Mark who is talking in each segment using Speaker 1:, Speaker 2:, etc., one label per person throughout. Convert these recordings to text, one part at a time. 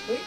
Speaker 1: เฮ้ย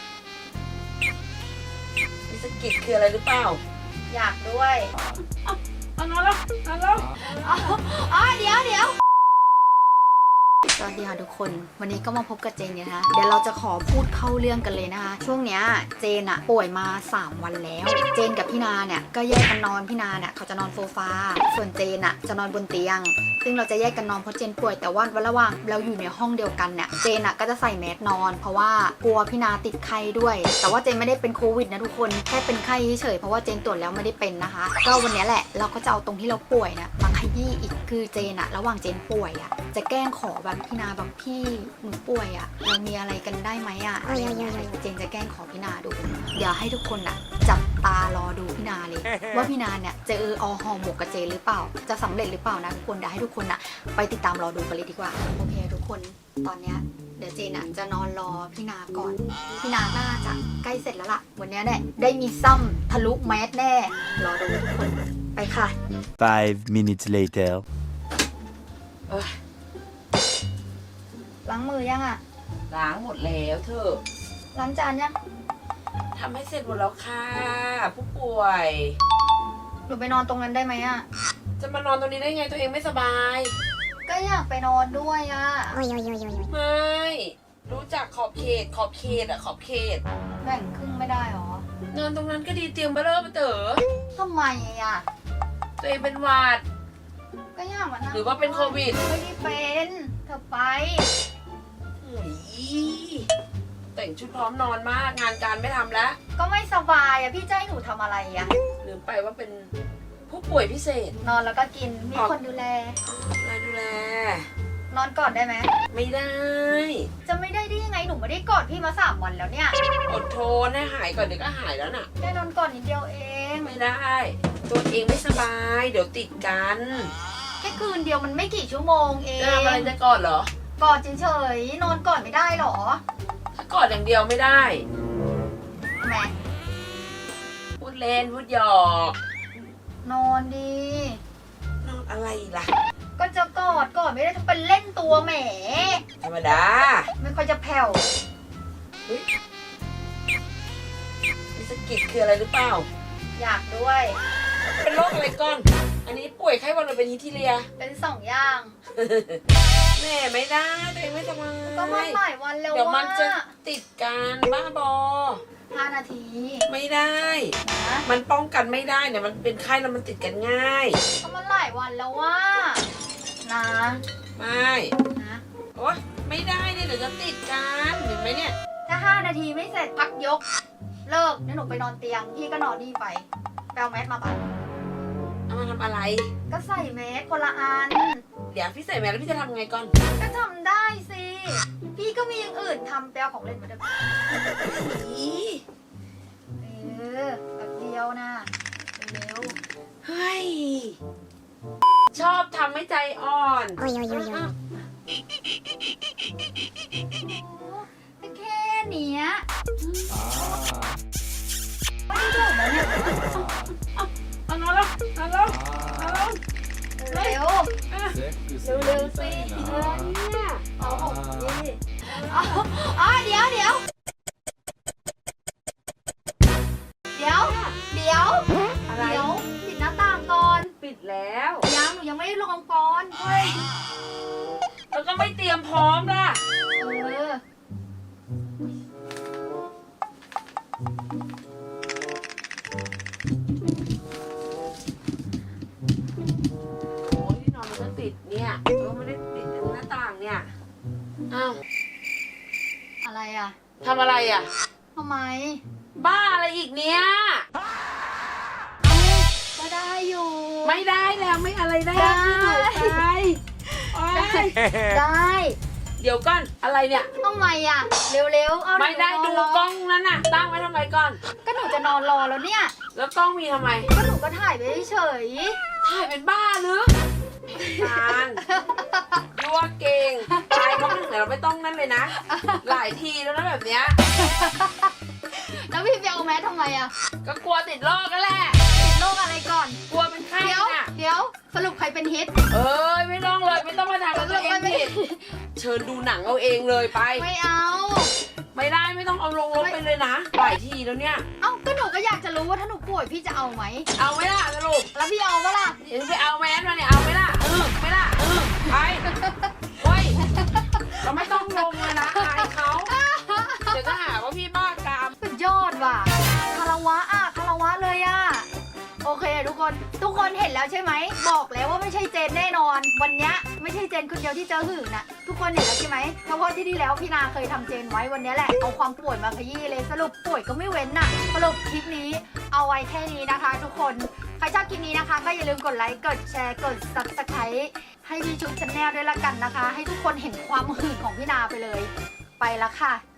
Speaker 1: มีสกิดคืออะไรหรือเปล่า
Speaker 2: อยากด้วย
Speaker 1: เอานอนแล้วนอนแล้ว
Speaker 2: เดี๋ยวสวัสดีค่ะทุกคนวันนี้ก็มาพบกับเจนนะคะ เดี๋ยวเราจะขอพูดเข้าเรื่องกันเลยนะคะช่วงเนี้ยเจนอะป่วยมา3 วันแล้วเจนกับพี่นาเนี่ยก็แยกกันนอนพี่นาเนี่ยเขาจะนอนโซฟาส่วนเจนอะจะนอนบนเตียงซึ่งเราจะแยกกันนอนเพราะเจนป่วยแต่ว่าระหว่างเราอยู่ในห้องเดียวกันเนี่ยเจนอะก็จะใส่แมสนอนเพราะว่ากลัวพี่นาติดไข้ด้วยแต่ว่าเจนไม่ได้เป็นโควิดนะทุกคนแค่เป็นไข้เฉยเพราะว่าเจนตรวจแล้วไม่ได้เป็นนะคะก็วันนี้แหละเราก็จะเอาตรงที่เราป่วยนะมาขยี้อีกคือเจนอะระหว่างเจนป่วยอะจะแกล้งขอแบบพี่นาแบบพี่หนูป่วยอะเรามีอะไรกันได้ไหมอะอะไรอย่างเงี้ยเจนจะแกล้งขอพี่นาดูเดี๋ยวให้ทุกคนอะจับตารอดูพี่นาเลย ว่าพี่นาเนี่ยจะห่อหมกกับเจนหรือเปล่าจะสำเร็จหรือเปล่านะทุกคนเดี๋ยวให้ทุกคนอะไปติดตามรอดูกันเลยดีกว่าโอเคทุกคนตอนเนี้ยเดี๋ยวเจนอะจะนอนรอพี่นาก่อนพี่นาน่าจะใกล้เสร็จแล้วล่ะวันนี้เนี่ยได้มีซ้ำทะลุแมสแน่รอดูทุกคนไปค่ะ
Speaker 3: 5 minutes later
Speaker 2: ล้างมือยังอะ
Speaker 1: ล้างหมดแล้วเธอ
Speaker 2: ล้างจานยัง
Speaker 1: ทำให้เสร็จหมดแล้วค่ะผู้ป่วย
Speaker 2: หนูไปนอนตรงนั้นได้ไหมอะ
Speaker 1: จะมานอนตรงนี้ได้ไงตัวเองไม่สบาย
Speaker 2: ก็อยากไปนอนด้วยอะ
Speaker 1: ไม่รู้จักขอบเขตอะขอบเขต
Speaker 2: แบ่งครึ่งไม่ได้หรอน
Speaker 1: อนตรงนั้นก็ดีเตียงเบลเลอร์มาเต๋อ
Speaker 2: ทำไมอะ
Speaker 1: ตัวเองเป็นหวัด
Speaker 2: ก็อยากมานั่ง
Speaker 1: หรือว่าเป็นโควิด
Speaker 2: ไม่ได้เป็นเธอไป
Speaker 1: แต่งชุดพร้อมนอนมากงานการไม่ทำแล้ว
Speaker 2: ก็ไม่สบายอะพี่จะให้หนูทำอะไรอะ
Speaker 1: ลืมไปว่าเป็นผู้ป่วยพิเศษ
Speaker 2: นอนแล้วก็กินมีคนดูแล
Speaker 1: ดูแล
Speaker 2: นอนก่อนได้ไหม
Speaker 1: ไม่ได้
Speaker 2: จะไม่ได้ยังไงหนูไม่ได้กอดพี่มา3 วันแล้วเนี่ย
Speaker 1: อดทนให้หายก่อนเดี๋ยวก็หายแล้วน่ะ
Speaker 2: ได้นอนก่อนนิดเดียวเอง
Speaker 1: ไม่ได้ ตัวเองไม่สบาย เดี๋ยวติดกัน
Speaker 2: แค่คืนเดียวมันไม่กี่ชั่วโมงเอง
Speaker 1: จะทำอะไรจะกอดเหรอ
Speaker 2: กอดเฉยๆนอนก่อนไม่ได้หรอ
Speaker 1: ถ้ากอดอย่างเดียวไม่ได้
Speaker 2: แหม
Speaker 1: พูดเล่นพูดหยอก
Speaker 2: นอนดี
Speaker 1: นอนอะไรล่ะ
Speaker 2: ก็จะกอดไม่ได้จะเป็นเล่นตัวแหม
Speaker 1: ธรรมดา
Speaker 2: ไม่ค่อยจะแผ่ว
Speaker 1: เฮ้ยมีสกิดคืออะไรหรือเปล่า
Speaker 2: อยากด้วย
Speaker 1: เป็นโรคอะไรก่อน อันนี้ป่วยไข้หวัดหรือเป็นฮิสทีเรีย
Speaker 2: เป็น2 อย่าง
Speaker 1: แม่ไม่ได้ตัวเองไม่สบาย
Speaker 2: ก็มันหลายวันแล้ว
Speaker 1: เดี๋ยวมันจะ
Speaker 2: ว่า
Speaker 1: ติดกันบ้าบอ
Speaker 2: 5 นาที
Speaker 1: ไม่ได้
Speaker 2: นะ
Speaker 1: มันป้องกันไม่ได้เนี่ยมันเป็นไข้แล้วมันติดกันง่าย
Speaker 2: ก็มันหลายวันแล้วว่านะ
Speaker 1: ไม่
Speaker 2: นะ
Speaker 1: โอ๊ยไม่ได้เนี่ยเดี๋ยวจะติดกันเห็นไหมเนี่ย
Speaker 2: ถ้า5 นาทีไม่เสร็จพักยก เลิกเดี๋ยวหนูไปนอนเตียงพี่ก็นอนนี่ไปแปลแมสมาปะ
Speaker 1: เอามาทำอะไร ก็
Speaker 2: ใส่แมสคนละอัน
Speaker 1: เดี๋ยวพี่ใส่แมสแล้วพี่จะทำไงก่อน
Speaker 2: ก็ทำได้สิ พี่ก็มีอย่างอื่นทำแปลของเล่นมาด้วยแบบเดียวนะเร็ว
Speaker 1: เฮ้ย ชอบทำให้ใจอ่อน
Speaker 2: ๆก็แค่เนี้ยไม่ได้ถูกแล้วเนี่ย
Speaker 1: เอานอนแล้วนอนแล้วนอนแล้ว
Speaker 2: เร็ว
Speaker 1: เร็วสิเนี่ย
Speaker 2: เอาของพี่เดี๋ยวเดี๋ยว
Speaker 1: อะไร
Speaker 2: ปิดหน้าต่างก่อน
Speaker 1: ปิดแล้ว
Speaker 2: หนูยังไม่ได้ลงก่อนเฮ้ย
Speaker 1: แล้วก็ไม่เตรียมพร้อมล่ะ โอ้ยที่นอนมันก็ติดเนี่ยไม่ได้ปิดหน้าต่างเนี่ย อ้าว
Speaker 2: อะไรอ่ะ
Speaker 1: ทำอะไรอ่ะ
Speaker 2: ทำไม
Speaker 1: บ้าอะไรอีกเนี่ย
Speaker 2: ก็ได้อยู่
Speaker 1: ไม่ได้แล้วไม่อะไรได้
Speaker 2: ได้
Speaker 1: ที่หนูไปโอ๊ย
Speaker 2: ได้
Speaker 1: เดี๋ยวก่อนอะไรเนี่ย
Speaker 2: ทำไมอ่ะ เร็วๆเอา
Speaker 1: ไม่ได้
Speaker 2: หนู
Speaker 1: ดู
Speaker 2: นอน
Speaker 1: กล้องนั้นน่ะ ตั้งไว้ทำไมก่อน
Speaker 2: ก็หนูจะนอนรอแล้วเนี่ย
Speaker 1: แล้วกล้องมีทำไม
Speaker 2: ก็หนูก็ถ่ายไปเฉย
Speaker 1: ถ่ายเป็นบ้าหรือทานยั่วเก่งตายเขาไม่ถึงไหนเราไม่ต้องนั่นเลยนะ หลายทีแล้วนะแบบเนี้ย
Speaker 2: แล้วพี่ไปเอาแมสทำไมอ่ะ
Speaker 1: ก็กลัวติดโรคกันแหละ
Speaker 2: ติดโรคอะไรก่อน
Speaker 1: กลัวเป็นไข้
Speaker 2: เดี๋ยว
Speaker 1: น่ะ
Speaker 2: สรุปใครเป็นฮิต
Speaker 1: เอ้ยไม่ต้องเลยไม่ต้องมาทำกับตัวเองผิดเชิญดูหนังเอาเองเลยไป
Speaker 2: ไม่เอา
Speaker 1: ไม่ได้ไม่ต้องเอาลงไปเลยนะหลายทีแล้วเนี่ย
Speaker 2: เอ้าก็หนูก็อยากจะรู้ว่าถ้าหนูป่วยพี่จะเอาไหม
Speaker 1: เอาไหมล่ะสรุป
Speaker 2: แล้วพี่เอาปะล่ะ
Speaker 1: เดี๋ยวไปเอาแมสมาเนี่ยเอาไหมล่ะไม่ล่ะไปเฮ้ยเราไม่ต้องลงเลยนะอายเขาเดี๋ยวจะหาว่าพี่บ้ากาม
Speaker 2: สุดยอดว่ะคารวะคารวะเลยโอเคทุกคนเห็นแล้วใช่ไหมบอกแล้วว่าไม่ใช่เจนแน่นอน วันนี้ไม่ใช่เจนคนเดียวที่เจอหื่นนะทุกคนเห็นแล้วใช่ไหมเพราะว่าที่แล้วพี่นาเคยทำเจนไว้วันนี้แหละเอาความป่วยมาขยี้เลยสรุปป่วยก็ไม่เว้นน่ะสรุปคลิปนี้เอาไว้แค่นี้นะคะ ทุกคนใครชอบคลิปนี้นะคะก็อย่าลืมกดไลค์กดแชร์กด Subscribe ให้พี่ชุดชาแนลด้วยละกันนะคะ ให้ทุกคนเห็นความหื่นของพี่นาไปเลยไปแล้วค่ะ